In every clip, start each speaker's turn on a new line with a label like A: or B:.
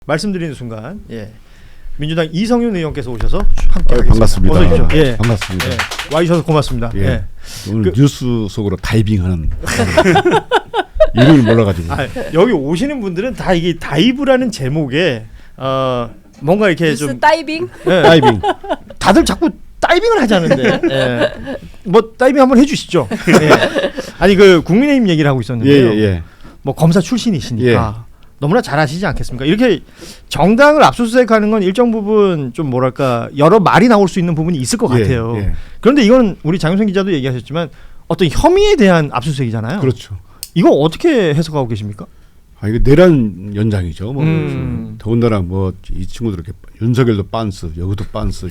A: 말씀드리는 순간 민주당 이성윤 의원께서 오셔서 함께 하겠습니다.
B: 반갑습니다.
A: 어서 오십시오.
B: 반갑습니다.
A: 와주셔서 고맙습니다.
B: 오늘 뉴스 속으로 다이빙하는 이름을 몰라가지고.
A: 여기 오시는 분들은 다 이게 다이브라는 제목에 뭔가 이렇게
C: 뉴스
A: 좀
C: 다이빙?
B: 다이빙.
A: 다들 자꾸 다이빙을 하자는데 뭐 다이빙 한번 해주시죠. 아니 그 국민의힘 얘기를 하고 있었는데요. 뭐 검사 출신이시니까 너무나 잘 아시지 않겠습니까? 이렇게 정당을 압수수색하는 건 일정 부분 좀 뭐랄까 여러 말이 나올 수 있는 부분이 있을 것 같아요. 그런데 이건 우리 장윤선 기자도 얘기하셨지만 어떤 혐의에 대한 압수수색이잖아요.
B: 그렇죠.
A: 이거 어떻게 해석하고 계십니까?
B: 이거 내란 연장이죠. 뭐 더군다나 뭐 이 친구들 이렇게 윤석열도 빤스, 여기도 빤스.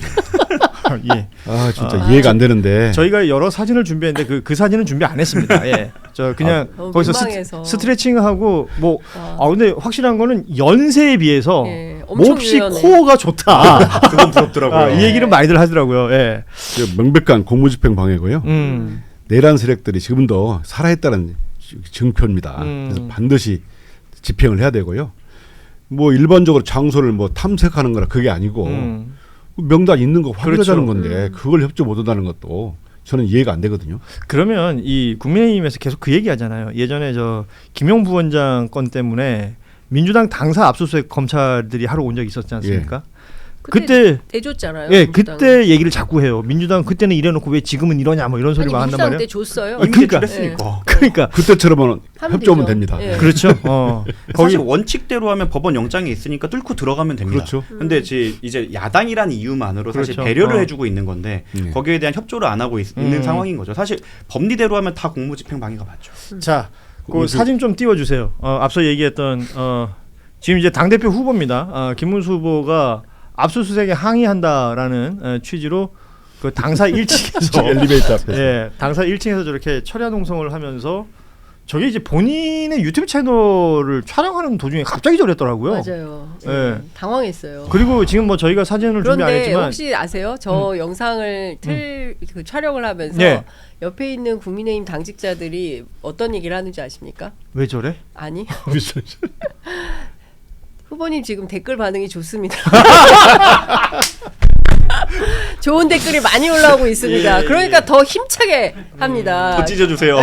B: 진짜 이해가 안 되는데.
A: 저희가 여러 사진을 준비했는데 그 사진은 준비 안 했습니다. 저 그냥 거기서 스트레칭하고 뭐 근데 확실한 거는 연세에 비해서 몹시 코어가 좋다.
B: 그건 부럽더라고요.
A: 이 얘기를 많이들 하더라고요.
B: 명백한 공무집행 방해고요. 내란 세력들이 지금도 살아있다는 증표입니다. 그래서 반드시 집행을 해야 되고요. 뭐 일반적으로 장소를 뭐 탐색하는 거라 그게 아니고 명단 있는 거 확인하자는 건데 그걸 협조 못한다는 것도 저는 이해가 안 되거든요.
A: 그러면 이 국민의힘에서 계속 그 얘기하잖아요. 예전에 저 김용 부원장 건 때문에 민주당 당사 압수수색 검찰들이 하러 온 적이 있었지 않습니까?
C: 그때 내줬잖아요.
A: 그때 얘기를 자꾸 해요. 민주당 그때는 이래놓고 왜 지금은 이러냐 뭐 이런 소리 막 한단 말이에요.
C: 때 줬어요.
A: 그러니까
B: 그때처럼은 협조하면 됩니다.
A: 그렇죠.
D: 사실 원칙대로 하면 법원 영장이 있으니까 뚫고 들어가면 됩니다.
B: 그렇죠.
D: 근데 이제 야당이라는 이유만으로 사실 배려를 해주고 있는 건데 거기에 대한 협조를 안 하고 있는 상황인 거죠. 사실 법리대로 하면 다 공무집행 방해가 맞죠.
A: 자, 그 사진 좀 띄워주세요. 앞서 얘기했던 지금 이제 당 대표 후보입니다. 김문수 후보가 압수수색에 항의한다라는 취지로 그 당사 1층에서
B: 엘리베이터 앞에서
A: 당사 1층에서 저렇게 철야 농성을 하면서 저게 이제 본인의 유튜브 채널을 촬영하는 도중에 갑자기 저랬더라고요.
C: 맞아요. 당황했어요.
A: 그리고 지금 뭐 저희가 사진을 준비 안 했지만
C: 혹시 아세요? 저 영상을 그 촬영을 하면서 옆에 있는 국민의힘 당직자들이 어떤 얘기를 하는지 아십니까?
A: 왜 저래?
C: 아니. 후보님 지금 댓글 반응이 좋습니다. 좋은 댓글이 많이 올라오고 있습니다. 그러니까 더 힘차게 합니다.
D: 더 찢어주세요.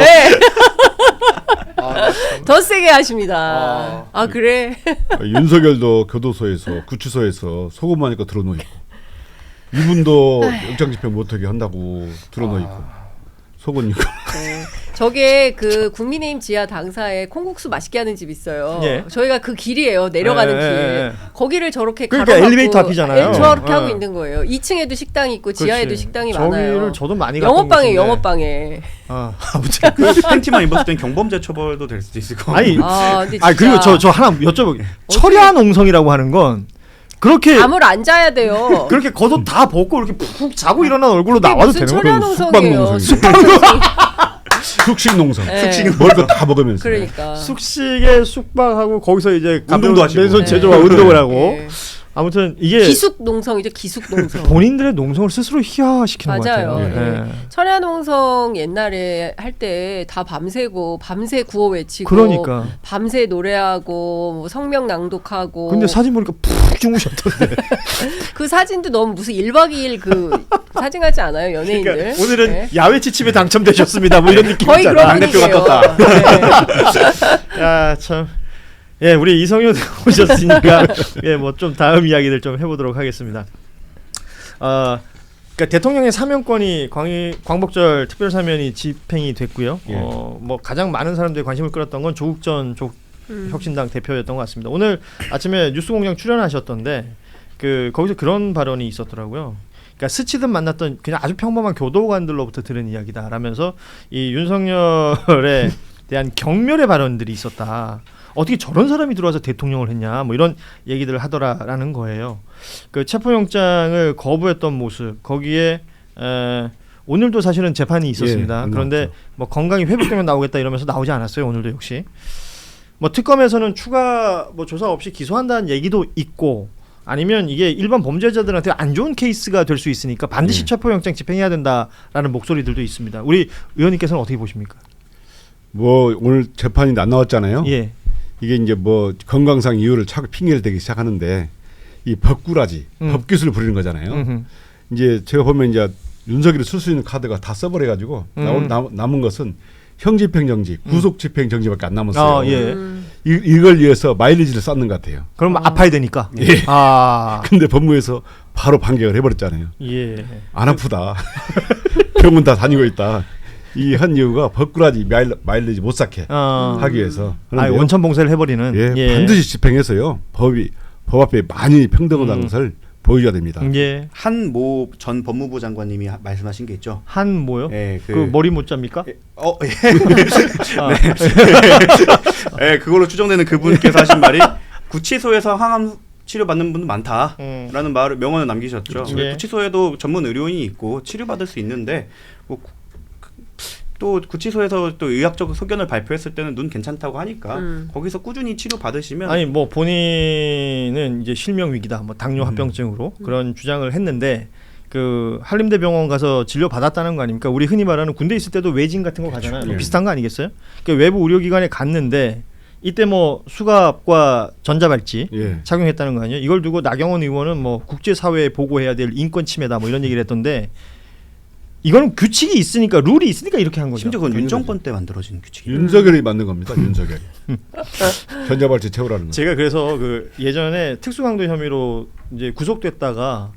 C: 더 세게 하십니다. 그래?
B: 윤석열도 교도소에서 구치소에서 소금하니까 들어놓고 이분도 영장집행 못하게 한다고 들어놓고 속은 있고.
C: 저게 그 국민의힘 지하 당사에 콩국수 맛있게 하는 집 있어요. 저희가 그 길이에요. 내려가는 길. 거기를 저렇게
A: 그러니까
C: 가로막고
A: 엘리베이터 앞이잖아요.
C: 저렇게 하고 있는 거예요. 2층에도 식당이 있고 지하에도 식당이 많아요.
A: 저기를 저도 많이
C: 영업방에.
A: 아무튼
D: 그 팬티만 입었을 땐 경범죄 처벌도 될 수도 있을 것
A: 같아요.
C: 근데
A: 그리고 저 하나 여쭤볼게요. 철야 농성이라고 하는 건 그렇게
C: 잠을 안 자야 돼요.
A: 그렇게 겉옷 다 벗고 이렇게 푹 자고 일어난 얼굴로 나와도 되는 거예요?
C: 숙박농성이에요.
B: 숙식농성. 먹을 거 다 먹으면서.
C: 그러니까.
A: 숙식에 숙박하고 거기서 이제
D: 운동도 하시고.
A: 맨손 제조와 운동을 하고. 아무튼 이게
C: 기숙농성이죠. 기숙농성.
A: 본인들의 농성을 스스로 희화시키는 것 같아요.
C: 철야농성 옛날에 할 때 다 밤새고 밤새 구호 외치고
A: 그러니까.
C: 밤새 노래하고 뭐 성명 낭독하고.
A: 근데 사진 보니까 푹 주무셨던데.
C: 그 사진도 너무 무슨 1박 2일 그 사진 같지 않아요? 연예인들.
A: 그러니까 오늘은 야외 지침에 당첨되셨습니다. 뭐 이런 느낌이잖아.
C: 거의 그런
D: 분위기예요. 떴다.
A: 야, 참. 우리 이성윤 오셨으니까 뭐 좀 다음 이야기들 좀 해보도록 하겠습니다. 그러니까 대통령의 사면권이 광복절 특별사면이 집행이 됐고요. 뭐 가장 많은 사람들이 관심을 끌었던 건 조국 전 혁신당 대표였던 것 같습니다. 오늘 아침에 뉴스공장 출연하셨던데 거기서 그런 발언이 있었더라고요. 그러니까 스치듯 만났던 그냥 아주 평범한 교도관들로부터 들은 이야기다라면서 이 윤석열에 대한 경멸의 발언들이 있었다. 어떻게 저런 사람이 들어와서 대통령을 했냐 뭐 이런 얘기들을 하더라라는 거예요. 그 체포영장을 거부했던 모습 거기에 오늘도 사실은 재판이 있었습니다. 그런데 뭐 건강이 회복되면 나오겠다 이러면서 나오지 않았어요. 오늘도 역시 뭐 특검에서는 추가 뭐 조사 없이 기소한다는 얘기도 있고 아니면 이게 일반 범죄자들한테 안 좋은 케이스가 될 수 있으니까 반드시 체포영장 집행해야 된다라는 목소리들도 있습니다. 우리 의원님께서는 어떻게 보십니까?
B: 뭐 오늘 재판이 안 나왔잖아요. 이게 이제 뭐 건강상 이유를 자꾸 핑계를 대기 시작하는데 이 법꾸라지, 법기술을 부리는 거잖아요. 이제 제가 보면 이제 윤석열이 쓸 수 있는 카드가 다 써버려가지고 남은 것은 형집행정지, 구속집행정지밖에 안 남았어요.
A: 아, 예.
B: 이걸 위해서 마일리지를 쌓는 것 같아요.
A: 그럼 아파야 되니까.
B: 예.
A: 아.
B: 근데 법무에서 바로 반격을 해버렸잖아요.
A: 예.
B: 안 아프다. 병원 다 다니고 있다. 이 한 이유가 법꾸라지 마일리지 못 쌓게 하기 위해서.
A: 아, 원천 봉쇄를 해버리는.
B: 예, 반드시 집행해서요. 법 앞에 많이 평등하다는 것을 보여줘야 됩니다.
A: 예.
D: 한모 전 법무부 장관님이 말씀하신 게 있죠.
A: 한모요?
D: 예,
A: 그 머리 모자입니까?
D: 예. 네, 그걸로 추정되는 그분께서 하신 말이 구치소에서 항암 치료 받는 분도 많다라는 말을 명언을 남기셨죠.
A: 예.
D: 구치소에도 전문 의료인이 있고 치료받을 수 있는데 뭐 또 구치소에서 또 의학적 소견을 발표했을 때는 눈 괜찮다고 하니까 거기서 꾸준히 치료 받으시면
A: 아니 뭐 본인은 이제 실명 위기다, 뭐 당뇨 합병증으로 그런 주장을 했는데 그 한림대병원 가서 진료 받았다는 거 아닙니까? 우리 흔히 말하는 군대 있을 때도 외진 같은 거 가잖아요.
B: 예.
A: 비슷한 거 아니겠어요? 그러니까 외부 의료기관에 갔는데 이때 뭐 수갑과 전자발찌
B: 예.
A: 착용했다는 거 아니에요? 이걸 두고 나경원 의원은 뭐 국제사회에 보고해야 될 인권 침해다 뭐 이런 얘기를 했던데. 이거는 규칙이 있으니까 룰이 있으니까 이렇게 한 거죠.
D: 심지어 그건 윤 정권 때 만들어진 규칙이에요.
B: 윤석열이 만든 겁니다. 윤석열이. 전자발찌 채우라는 거.
A: 제가 그래서 그 예전에 특수강도 혐의로 이제 구속됐다가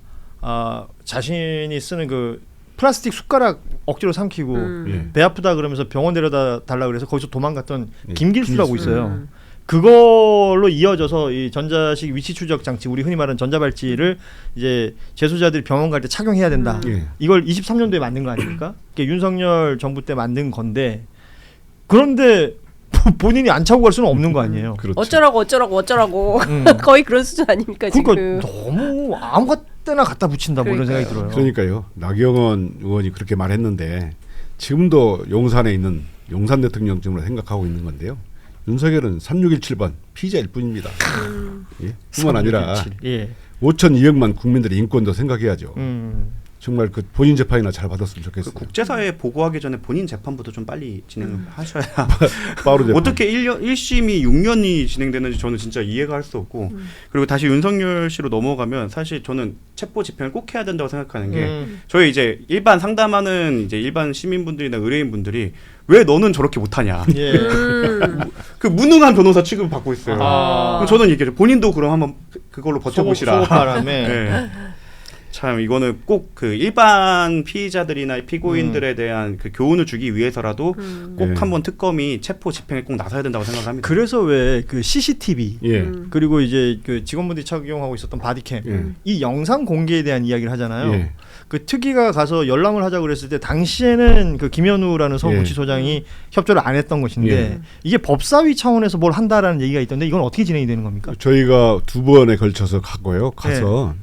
A: 자신이 쓰는 그 플라스틱 숟가락 억지로 삼키고
B: 예.
A: 배 아프다 그러면서 병원 데려다 달라 그래서 거기서 도망갔던
B: 예.
A: 김길수라고 있어요. 그걸로 이어져서 이 전자식 위치 추적 장치, 우리 흔히 말하는 전자발찌를 이제 재소자들이 병원 갈 때 착용해야 된다.
B: 예.
A: 이걸 23년도에 만든 거 아닙니까? 그러니까 윤석열 정부 때 만든 건데, 그런데 본인이 안 차고 갈 수는 없는 거 아니에요.
B: 그렇죠.
C: 어쩌라고 거의 그런 수준 아닙니까
A: 그러니까
C: 지금.
A: 너무 아무 때나 갖다 붙인다 뭐 이런 생각이 들어요.
B: 그러니까요. 나경원 의원이 그렇게 말했는데 지금도 용산에 있는 용산 대통령쯤으로 생각하고 있는 건데요. 윤석열은 3617번 피의자일 뿐입니다. 예? 뿐만 아니라 5,200만 국민들의 인권도 생각해야죠. 정말 그 본인 재판이나 잘 받았으면 좋겠어요.
D: 그 국제사회에 보고하기 전에 본인 재판부터 좀 빨리 진행하셔야.
B: 빠르 재판.
D: 어떻게 1심이 6년이 진행되는지 저는 진짜 이해가 할 수 없고. 그리고 다시 윤석열 씨로 넘어가면 사실 저는 체포 집행을 꼭 해야 된다고 생각하는 게 저희 이제 일반 상담하는 이제 일반 시민분들이나 의뢰인분들이 왜 너는 저렇게 못하냐.
A: 예.
D: 그 무능한 변호사 취급을 받고 있어요. 그럼 저는 얘기해요. 본인도 그럼 한번 그걸로 버텨보시라.
A: 소급바람에.
D: 네. 참 이거는 꼭 그 일반 피의자들이나 피고인들에 대한 그 교훈을 주기 위해서라도 꼭
B: 네.
D: 한번 특검이 체포 집행에 꼭 나서야 된다고 생각합니다.
A: 그래서 왜 그 CCTV
B: 예.
A: 그리고 이제 그 직원분들이 착용하고 있었던 바디캠 이 영상 공개에 대한 이야기를 하잖아요.
B: 예.
A: 그 특위가 가서 열람을 하자고 그랬을 때 당시에는 그 김현우라는 서구치소장이 협조를 안 했던 것인데 이게 법사위 차원에서 뭘 한다라는 얘기가 있던데 이건 어떻게 진행이 되는 겁니까?
B: 저희가 2번에 걸쳐서 갔고요. 가서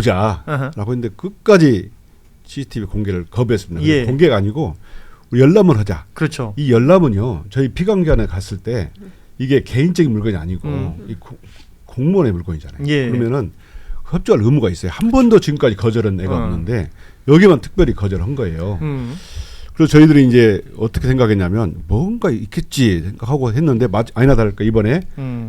B: 보자라고 했는데 끝까지 CCTV 공개를 거부했습니다.
A: 예.
B: 공개가 아니고 우리 열람을 하자.
A: 그렇죠.
B: 이 열람은요. 저희 피감기관에 갔을 때 이게 개인적인 물건이 아니고 이 공무원의 물건이잖아요.
A: 예.
B: 그러면은 협조할 의무가 있어요. 한 번도 지금까지 거절한 애가 없는데 여기만 특별히 거절한 거예요. 그래서 저희들이 이제 어떻게 생각했냐면 뭔가 있겠지 생각하고 했는데 아니나 다를까 이번에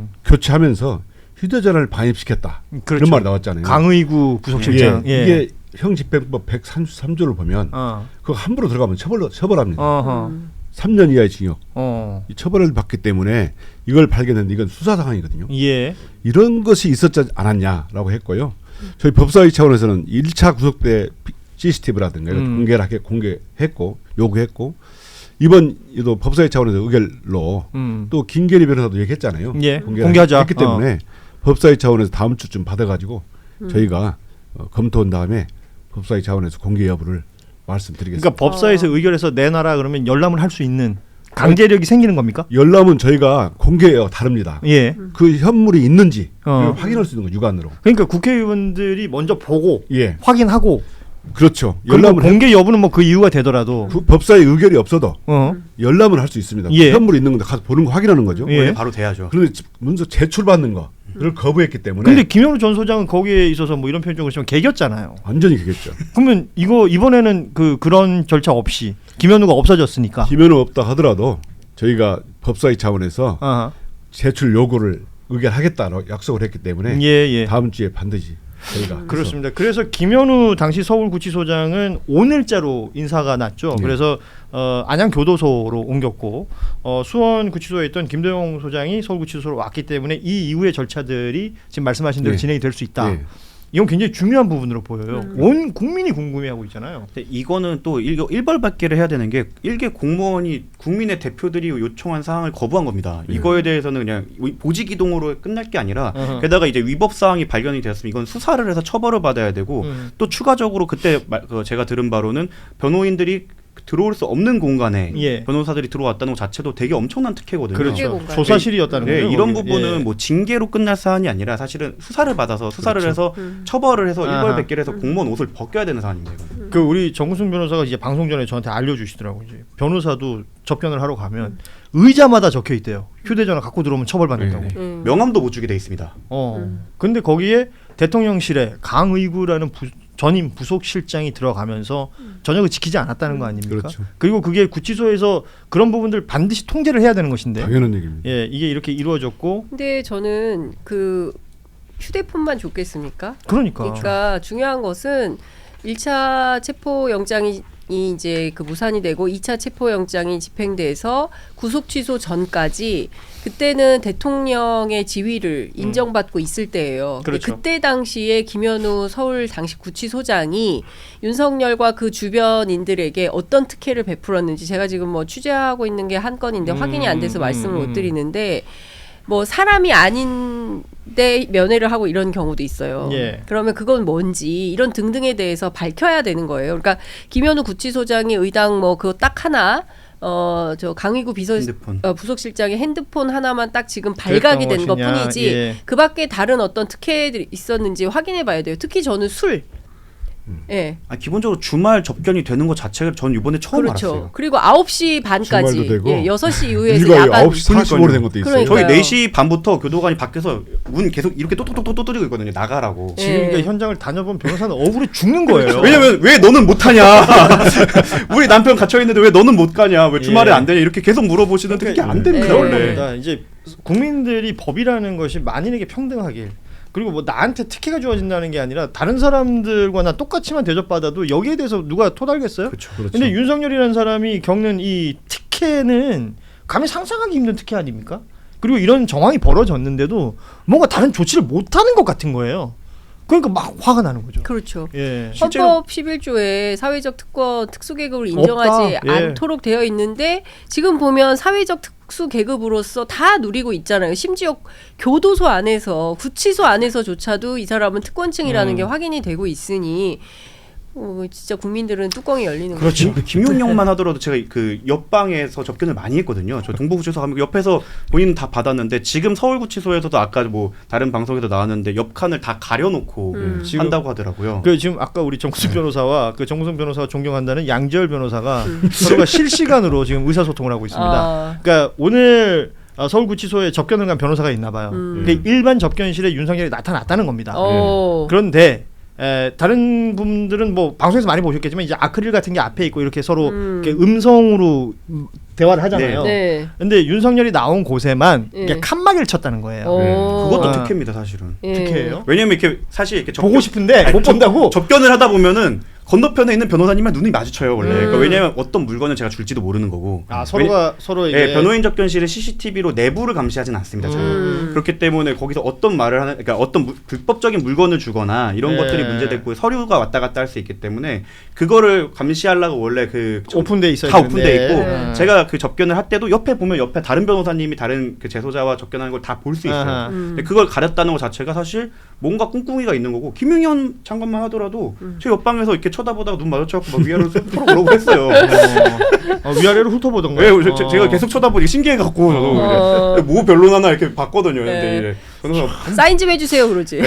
B: 교체하면서 휴대전화를 반입시켰다.
A: 그렇죠.
B: 이런 말이 나왔잖아요.
A: 강의구 부속실장.
B: 예. 이게 형집행법 133조를 보면 그거 함부로 들어가면 처벌합니다. 3년 이하의 징역. 이 처벌을 받기 때문에 이걸 발견했는데 이건 수사 상황이거든요.
A: 예.
B: 이런 것이 있었지 않았냐라고 했고요. 저희 법사위 차원에서는 1차 구속 때 CCTV라든가 공개했고 요구했고 이번에도 법사위 차원에서 의결로 또 김계리 변호사도 얘기했잖아요.
A: 예.
B: 공개하자 했기 때문에 법사위 차원에서 다음 주쯤 받아가지고 저희가 검토한 다음에 법사위 차원에서 공개 여부를 말씀드리겠습니다.
A: 그러니까 법사위에서 의결해서 내놔라 그러면 열람을 할 수 있는 강제력이 생기는 겁니까?
B: 열람은 저희가 공개해요. 다릅니다.
A: 예.
B: 그 현물이 있는지 확인할 수 있는 거 육안으로.
A: 그러니까 국회의원들이 먼저 보고
B: 예.
A: 확인하고
B: 그렇죠.
A: 열람을 공개 여부는 뭐 그 이유가 되더라도
B: 그 법사위 의결이 없어도 열람을 할 수 있습니다.
A: 예.
B: 현물이 있는 건데 가서 보는 거 확인하는 거죠.
A: 예.
D: 바로 돼야죠.
B: 그런데 문서 제출받는 거를 거부했기 때문에.
A: 근데 김현우 전 소장은 거기에 있어서 뭐 이런 표현을 쓰면 개겼잖아요.
B: 완전히 개겼죠.
A: 그러면 이거 이번에는 그런 절차 없이. 김현우가 없어졌으니까.
B: 김현우 없다 하더라도 저희가 법사위 차원에서 이걸 발견했는데 이건 수사 상황이거든요. 1차 구속 때 CCTV 공개를 거부했습니다. 2차 구속 때 법사위 차원에서 공개를 했고 3년 이하의 징역.
A: 1차
B: 제출 요구를 의결하겠다고 약속을 했기 때문에
A: 예.
B: 다음 주에 반드시 저희가
A: 그렇습니다. 그래서 김현우 당시 서울구치소장은 오늘자로 인사가 났죠.
B: 네.
A: 그래서 안양교도소로 옮겼고 수원구치소에 있던 김도영 소장이 서울구치소로 왔기 때문에 이 이후의 절차들이 지금 말씀하신 대로
B: 네.
A: 진행이 될 수 있다.
B: 네.
A: 이건 굉장히 중요한 부분으로 보여요. 온 국민이 궁금해하고 있잖아요.
D: 근데 이거는 또 일벌받기를 해야 되는 게 일개 공무원이 국민의 대표들이 요청한 사항을 거부한 겁니다. 이거에 대해서는 그냥 보직 이동으로 끝날 게 아니라 게다가 이제 위법 사항이 발견이 되었으면 이건 수사를 해서 처벌을 받아야 되고 또 추가적으로 그때 제가 들은 바로는 변호인들이 들어올 수 없는 공간에
A: 예.
D: 변호사들이 들어왔다는 것 자체도 되게 엄청난 특혜거든요.
A: 그렇죠. 조사실이었다는
D: 네,
A: 거예요.
D: 이런
A: 거기.
D: 부분은
A: 예.
D: 뭐 징계로 끝날 사안이 아니라 사실은 수사를 받아서 수사를
B: 그렇죠.
D: 해서 처벌을 해서
A: 아하.
D: 일벌백계를 해서 공무원 옷을 벗겨야 되는 사안입니다. 이거는.
A: 그 우리 정구승 변호사가 이제 방송 전에 저한테 알려주시더라고요. 이제 변호사도 접견을 하러 가면 의자마다 적혀 있대요. 휴대전화 갖고 들어오면 처벌받는다고.
B: 네.
D: 명함도 못 주게 돼 있습니다.
A: 근데 거기에 대통령실에 강의구라는 전임 부속실장이 들어가면서 전혀 지키지 않았다는 거 아닙니까?
B: 그렇죠.
A: 그리고 그게 구치소에서 그런 부분들 반드시 통제를 해야 되는 것인데.
B: 당연한 얘기입니다.
A: 예, 이게 이렇게 이루어졌고.
C: 근데 저는 그 휴대폰만 줬겠습니까?
A: 그러니까.
C: 그러니까 중요한 것은 1차 체포영장이 이제 그 무산이 되고 2차 체포영장이 집행돼서 구속 취소 전까지 그때는 대통령의 지위를 인정받고 있을 때예요.
A: 그렇죠.
C: 그때 당시에 김현우 서울 당시 구치소장이 윤석열과 그 주변인들에게 어떤 특혜를 베풀었는지 제가 지금 뭐 취재하고 있는 게 한 건인데 확인이 안 돼서 말씀을 못 드리는데 뭐 사람이 아닌데 면회를 하고 이런 경우도 있어요.
A: 예.
C: 그러면 그건 뭔지 이런 등등에 대해서 밝혀야 되는 거예요. 그러니까 김현우 구치소장이 의당 뭐 그거 딱 하나 저 강의구
D: 핸드폰.
C: 부속실장의 핸드폰 하나만 딱 지금 발각이 된
A: 것이냐.
C: 것뿐이지
A: 예.
C: 그밖에 다른 어떤 특혜들이 있었는지 확인해 봐야 돼요. 특히 저는 술. 예.
D: 기본적으로 주말 접견이 되는 것 자체가 전 이번에 처음
C: 그렇죠.
D: 알았어요.
C: 그리고 9시 반까지
B: 주말도 되고.
C: 예, 6시 이후에서
B: 일과
C: 야간
B: 9시 45로 된 것도 있어요.
C: 그러니까요.
D: 저희 4시 반부터 교도관이 밖에서 문 계속 이렇게 똑똑똑똑 두드리고 있거든요. 나가라고.
C: 예.
A: 지금 그러니까 현장을 다녀본 변호사는 억울해 죽는 거예요.
D: 왜냐면 왜 너는 못하냐? 우리 남편 갇혀 있는데 왜 너는 못 가냐? 왜 주말에
A: 예.
D: 안 되냐? 이렇게 계속 물어보시는데 그게 안 됩니다
C: 예.
D: 원래.
A: 그러니까 이제 국민들이 법이라는 것이 만인에게 평등하길 그리고 뭐 나한테 특혜가 주어진다는 게 아니라 다른 사람들과 나 똑같이만 대접받아도 여기에 대해서 누가 토달겠어요?
D: 그렇죠.
A: 근데 윤석열이라는 사람이 겪는 이 특혜는 감히 상상하기 힘든 특혜 아닙니까? 그리고 이런 정황이 벌어졌는데도 뭔가 다른 조치를 못하는 것 같은 거예요. 그러니까 막 화가 나는 거죠.
C: 그렇죠.
A: 예.
C: 헌법 11조에 사회적 특권 특수계급을 인정하지
A: 없다. 예.
C: 않도록 되어 있는데 지금 보면 사회적 특수계급으로서 다 누리고 있잖아요. 심지어 교도소 안에서 구치소 안에서조차도 이 사람은 특권층이라는 게 확인이 되고 있으니 진짜 국민들은 뚜껑이 열리는
D: 그렇죠.
C: 거죠.
D: 김용영만 하더라도 제가 그 옆방에서 접견을 많이 했거든요. 저 동부구치소 가면 옆에서 본인은 다 받았는데 지금 서울구치소에서도 아까 뭐 다른 방송에도 나왔는데 옆 칸을 다 가려놓고 한다고 하더라고요.
A: 그 지금 아까 우리 정구승 변호사와 그 정구승 변호사가 존경한다는 양지열 변호사가 서로가 실시간으로 지금 의사소통을 하고 있습니다. 그러니까 오늘 서울구치소에 접견을 간 변호사가 있나 봐요. 그 일반 접견실에 윤석열이 나타났다는 겁니다. 그런데 다른 분들은 뭐 방송에서 많이 보셨겠지만 이제 아크릴 같은 게 앞에 있고 이렇게 서로 이렇게 음성으로 대화를 하잖아요.
C: 네.
A: 근데 윤석열이 나온 곳에만
C: 네.
A: 이렇게 칸막이를 쳤다는 거예요.
D: 그것도 특혜입니다, 사실은.
A: 특혜예요?
D: 왜냐면 이렇게 사실 이렇게
A: 보고 싶은데 못 본다고.
D: 접견을 하다 보면은 건너편에 있는 변호사님만 눈이 마주쳐요 원래. 그러니까 왜냐면 어떤 물건을 제가 줄지도 모르는 거고.
A: 서로가 서로 이제
D: 네, 변호인 접견실은 CCTV로 내부를 감시하진 않습니다. 저는. 그렇기 때문에 거기서 어떤 말을 하는, 그러니까 어떤 불법적인 물건을 주거나 이런 것들이 문제됐고 서류가 왔다 갔다 할 수 있기 때문에 그거를 감시하려고 원래 그
A: 오픈돼 있어요.
D: 다 오픈돼 있고 제가 그 접견을 할 때도 옆에 보면 옆에 다른 변호사님이 다른 그 재소자와 접견하는 걸 다 볼 수 있어요. 근데 그걸 가렸다는 것 자체가 사실 뭔가 꿍꿍이가 있는 거고 김용현 장관만 하더라도 제 옆방에서 이렇게 쳐다보다가 눈 마주쳐갖고 막 위아래로 서로 그러고 했어요.
A: 위아래로 훑어보던가.
D: 네, 제가 계속 쳐다보니 신기해갖고 저도 뭐 변론하나 이렇게 봤거든요. 근데 변호사
C: 사인 좀 해주세요 그러지.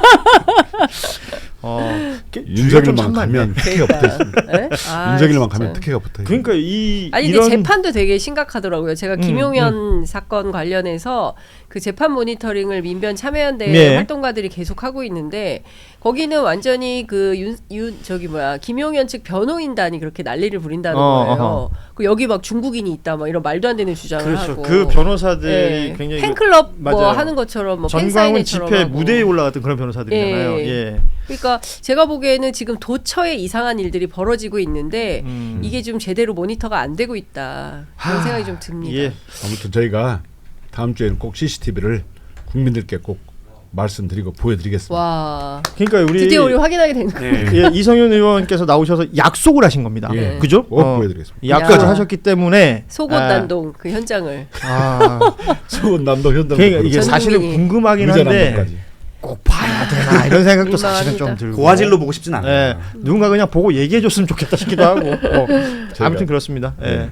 B: 윤석열만 가면 특혜가 붙어 있습니다. 윤석열만
C: 진짜.
B: 가면 특혜가 붙어 있습니다.
A: 그러니까
C: 아니 근데 재판도 되게 심각하더라고요. 제가 김용현 사건 관련해서 그 재판 모니터링을 민변 참여연대
A: 네.
C: 활동가들이 계속 하고 있는데 거기는 완전히 그 김용현 측 변호인단이 그렇게 난리를 부린다는 거예요. 그 여기 막 중국인이 있다 막 이런 말도 안 되는 주장을
A: 그렇죠.
C: 하고.
A: 그 변호사들이
C: 예.
A: 굉장히
C: 팬클럽 뭐
A: 맞아요.
C: 하는 것처럼 뭐
A: 전광훈
C: 팬사인회처럼
A: 집회
C: 하고.
A: 무대에 올라갔던 그런 변호사들이잖아요.
C: 예.
A: 예.
C: 그러니까 제가 보기에는 지금 도처에 이상한 일들이 벌어지고 있는데 이게 좀 제대로 모니터가 안 되고 있다. 그런 생각이 좀 듭니다.
A: 예.
B: 아무튼 저희가 다음 주에는 꼭 CCTV를 국민들께 꼭 말씀드리고 보여드리겠습니다.
C: 와.
A: 그러니까
C: 드디어 우리 확인하게 되는 거예요.
D: 네.
A: 예, 이성윤 의원께서 나오셔서 약속을 하신 겁니다.
B: 예.
A: 그죠?
B: 꼭 보여드리겠습니다.
A: 약속을
C: 야.
A: 하셨기 때문에
C: 속옷 난동 그 현장을.
B: 수원 남도 현장
A: 그러니까 이게
C: 전
A: 사실은
C: 국민이.
A: 궁금하긴
B: 의자
A: 한데
B: 남도까지.
A: 꼭 봐야 되나 이런 생각도 사실은 좀
C: 민망합니다.
A: 들고.
D: 고화질로 보고 싶진 않아요.
A: 예, 누군가 그냥 보고 얘기해 줬으면 좋겠다 싶기도 하고. 아무튼 그렇습니다. 예.